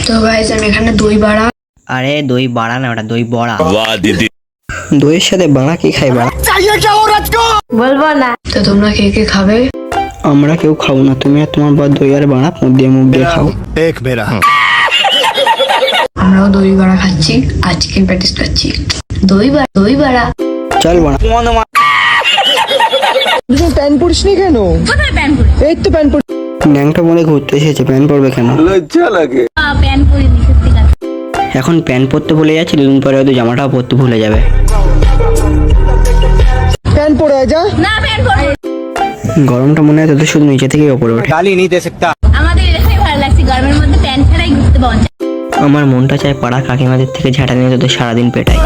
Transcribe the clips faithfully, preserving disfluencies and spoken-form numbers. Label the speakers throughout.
Speaker 1: তো গাইস আমি এখানে দই বাড়া।
Speaker 2: আরে দই বাড়া না, ওটা দই বড়া।
Speaker 3: वाह दीदी।
Speaker 2: দইয়ের সাথে বাড়া কি খাই বাড়া?
Speaker 4: বলবো না।
Speaker 1: তো তোমরা কে কে খাবে?
Speaker 2: আমরা কেউ খাবো না, তুমি আর তোমার বর দই আর বাড়া মুখ দিয়ে মুখ দিয়ে খাও।
Speaker 3: एक मेरा
Speaker 1: আমরাও দই বাড়া খাচ্ছি, আর চিকেন প্যাটিস খাচ্ছি। দই বাড়া দই বাড়া।
Speaker 2: চল বাড়া।
Speaker 5: প্যান্ট পরিস নি কেন?
Speaker 4: কোথায় প্যান পরি?
Speaker 5: এই তো প্যান্ট পরিস।
Speaker 2: ন্যাংটা মনে ঘুরতে এসেছে, প্যান্ট পরবে কেন?
Speaker 4: প্যান পরিনি সত্যি কথা।
Speaker 2: এখন প্যান্ট পরতে ভুলে যাচ্ছে, দুদিন পরে হয়তো জামাটাও পরতে ভুলে যাবে।
Speaker 5: প্যান্ট পরে আয় যা।
Speaker 4: না প্যান পরবো।
Speaker 2: গরমটা মনে হয় তোদের শুধু নিচে থেকেই ওপরে ওঠে।
Speaker 4: আমাদের এখানে ভালো লাগছে, গরমের মধ্যে প্যান ছাড়াই ঘুরতে পাওয়া যায়।
Speaker 2: আমার মনটা চায় পাড়া কাকিমাদের থেকে ঝাঁটা নিয়ে তোদের সারাদিন পেটাই।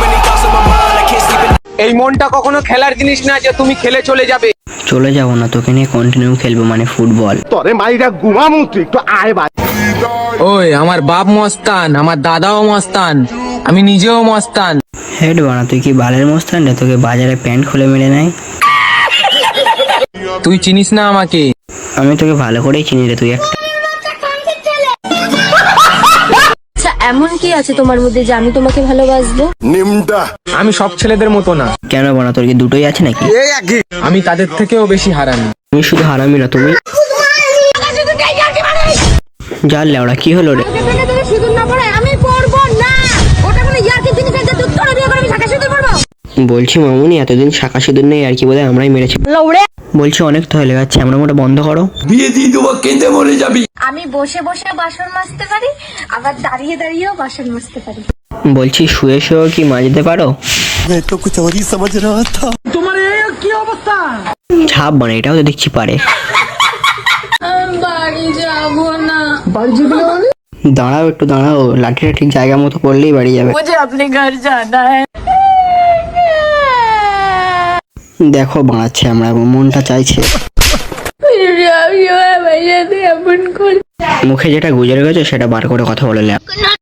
Speaker 6: এই মনটা কখনো খেলার জিনিস না যে তুমি খেলে চলে যাবে।
Speaker 2: চলে যাবো না, তোকে নিয়ে কন্টিনিউ খেলবো, মানে ফুটবল।
Speaker 7: তোরে মাইরা ঘুমামু তুই একটু আয় ভাই।
Speaker 6: ওই আমার বাপ মস্তান, আমার দাদাও মস্তান, আমি নিজেও মস্তান।
Speaker 2: হেড বানা, তুই কি বালের মস্তান রে? তোকে বাজারে প্যান্ট খুলে মেরে নেয়।
Speaker 6: তুই চিনিস না আমাকে।
Speaker 2: আমি তোকে ভালো করেই চিনি রে, তুই একটা।
Speaker 4: আচ্ছা এমন কি আছে তোমার মধ্যে যে আমি তোমাকে ভালোবাসবো?
Speaker 7: নিমডা
Speaker 6: আমি সব ছেলেদের মতো না,
Speaker 2: কেন বানা, তোর কি দুটোই আছে নাকি?
Speaker 6: আমি তাদের থেকেও বেশি হারামি।
Speaker 2: তুমি শুধু হারামি না, তুমি জাল লেওড়া। কি হলো রে?
Speaker 4: সিঁদুর না পড়ে আমি পরবো না। ওটা কোনো ইয়ার্কি জিনিস আছে, তুই তোরা বিয়ে করে আমি ঢাকা সিঁদুর পরবো?
Speaker 2: বলছি মামুনি, এতদিন শাখা সিঁদুর নেই আর কি, বোধহয় আমরাই মেরেছি। বলছি অনেক তো হয়ে গেছে, আমরা মোটা বন্ধ করো।
Speaker 4: আমি বসে বসে বাসন মাজতে পারি, আবার দাঁড়িয়ে দাঁড়িয়েও বাসন মাজতে পারি।
Speaker 2: বলছি শুয়ে শুয়েও কি মাজতে পারো?
Speaker 7: मैं तो कुछ और ही समझ रहा था।
Speaker 2: ছাপ বানা, এটাও তো দেখছি পারে।
Speaker 4: বাড়ি যাবো না।
Speaker 5: বাড়ি যাবি না মানে?
Speaker 2: দাঁড়াও একটু দাঁড়াও, লাঠিটা ঠিক জায়গা মতো পড়লেই বাড়ি যাবে।
Speaker 4: मुझे अपने घर जाना है।
Speaker 2: দেখো বাড়াচ্ছে, আমরা মনটা চাইছে। মুখে যেটা গুজরে গেছে সেটা বার করে কথা বলে লে।